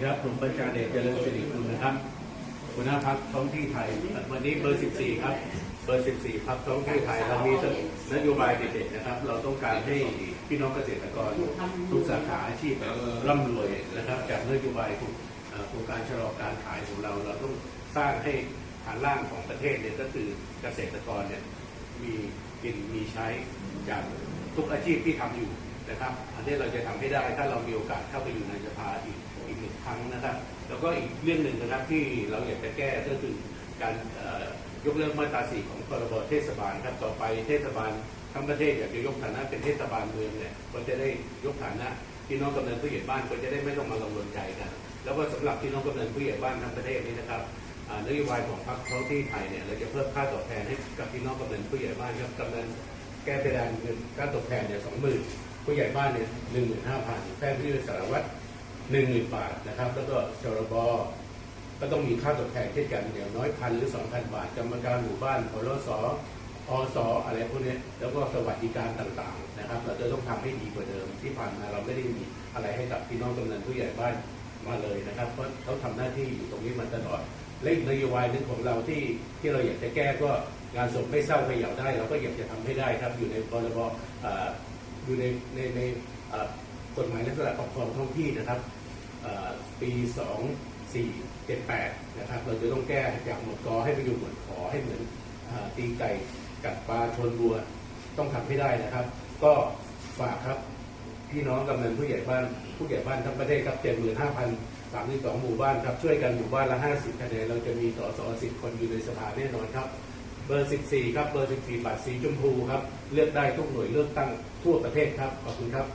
ครับผมประชาเดชเจริญสิริกุลนะครับหัวหน้าพรรคท้องที่ไทยวันนี้เบอร์ 14 ครับเบอร์ 14 พรรคท้องที่ไทยเรามีนโยบายเด็ดๆนะครับเราต้องการให้พี่น้องเกษตรกรทุกสาขาอาชีพร่ำรวยนะครับจากนโยบายโครงการชะลอการขายของเราต้องสร้างให้ฐานล่างของประเทศเนี่ยก็คือเกษตรกรเนี่ยมีกินมีใช้จากทุกอาชีพที่ทำอยู่นะครับอันนี้เราจะทำให้ได้ถ้าเรามีโอกาสเข้าไปอยู่ในสภาอีกหนึ่งครั้งนะครับแล้วก็อีกเรื่องหนึ่งนะครับที่เราอยากจะแก้ก็คือการยกเลิกมาตรา 4 ของพรบเทศบาลครับต่อไปเทศบาลทั้งประเทศอยากจะยกฐานะเป็นเทศบาลเมืองเนี่ยก็จะได้ยกฐานะพี่น้องกำนันผู้ใหญ่บ้านก็จะได้ไม่ต้องมากังวลใจกันแล้วก็สำหรับพี่น้องกำนันผู้ใหญ่บ้านทั้งประเทศนี้นะครับนโยบายของพรรคท้องที่ไทยเนี่ยเราจะเพิ่มค่าตอบแทนให้กับพี่น้องกำนันผู้ใหญ่บ้านครับกำนันแก้เพดานเงินค่าตอบแทนเนี่ย 20,000 ผู้ใหญ่บ้านเนี่ย 15,000 แพทย์ผู้ช่วยสารวัตร 10,000 บาทนะครับแล้วก็ชรบก็ต้องมีค่าตอบแทนเช่นกันอย่างน้อย 1,000 หรือ 2,000 บาทกรรมการหมู่บ้านพลสอสอะไรพวกนี้แล้วก็สวัสดิการต่างๆนะครับเราจะต้องทำให้ดีกว่าเดิมที่ผ่านมาเราไม่ได้มีอะไรให้กับพี่น้องกำนันผู้ใหญ่บ้านมาเลยนะครับเพราะเขาทำหน้าที่อยู่ตรงนี้มาตลอดและนโยบายหนึ่งของเราที่เราอยากจะแก้ก็งานศพไม่เศร้าไม่เหยาได้เราก็อยากจะทำให้ได้ครับอยู่ในพรบอยู่ในกฎหมายลักษณะปกครองท้องที่นะครับปี 2478 นะครับเราจะต้องแก้จากหมวดกให้ไปอยู่หมวดขอให้เหมือนตีไก่กัดปลาชนวัวต้องทำให้ได้นะครับก็ฝากครับพี่น้องกำนันผู้ใหญ่บ้านทั้งประเทศครับ 75,032 หมู่บ้านครับช่วยกันหมู่บ้านละ 50 คะแนนเราจะมีสส 10 คนอยู่ในสภาแน่นอนครับเบอร์ 14 ครับเบอร์ 14 บัตรสีชมพูครับเลือกได้ทุกหน่วยเลือกตั้งทั่วประเทศครับขอบคุณครับ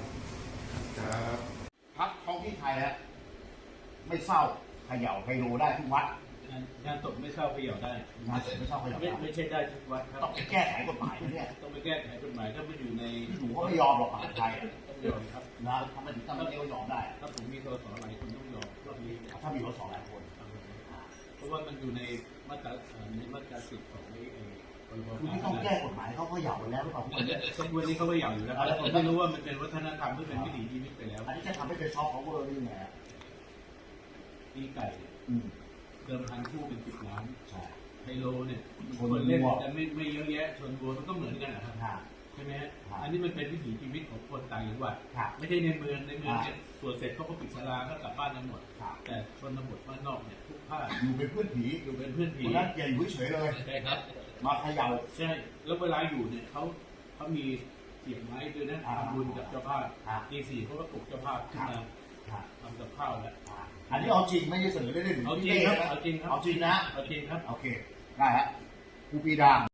พรรคท้องที่ไทยฮะไม่เศร้าเขย่าไฮโลได้ทุกวัดงานศพไม่เศร้าเขย่าได้งานศพไม่เศร้าเขย่าได้ไม่ใช่ได้ทุกวัดครับต้องไปแก้ไขกฎหมายนะเนี่ยต้องไปแก้ไขกฎหมายถ้าไม่อยู่ในหนูก็ไม่ยอมหรอกมหาไทยต้องยอมครับนะทำไมถึงทำให้ยอมได้ถ้าผมมีสสหลายคนต้องยอมรอบนี้ถ้ามีสสหลายคนเพราะว่ามันอยู่ในมาตรา10ของคือที่ต้องแก้กฎหมายเขาก็เหย่าไปแล้วหรือเปล่าทุกวันนี้เขาก็เหย่าอยู่แล้วผมไม่รู้ว่ามันเป็นวัฒนธรรมที่เป็นวิถีชีวิตไปแล้วอันนี้จะทำให้เป็นช็อคของเวอร์นี่ไงตีไก่เดิมพันคู่เป็น10 ล้านไฮโลเนี่ยคนเล่นแต่ไม่เยอะแยะชนวัวมันก็เหมือนกันนะครับใช่ไหมฮะอันนี้มันเป็นวิถีชีวิตของคนต่างจังหวัดไม่ใช่ในเมืองเนี่ยตรวจเสร็จเขาก็ปิดศาลาก็กลับบ้านกันหมดแต่ชนบทบ้านนอกเนี่ยทุกภาคอยู่เป็นเพื่อนผีนั้นอย่าอยู่เฉยเลยใช่ครับมาเขย่าใช่แล้วเวลาอยู่เนี่ยเขามีเสียงไม้ด้วยนะทำบุญกับเจ้าภาพตี 4เขาก็ปลุกเจ้าภาพขึ้นมาทำกับข้าวแล้วอันนี้เอาจริงไม่ใช่เสนอเล่นๆเอาจริงครับเอาจริงครับเอาจริงนะเอาจริงครับโอเคได้ฮะครูปีดา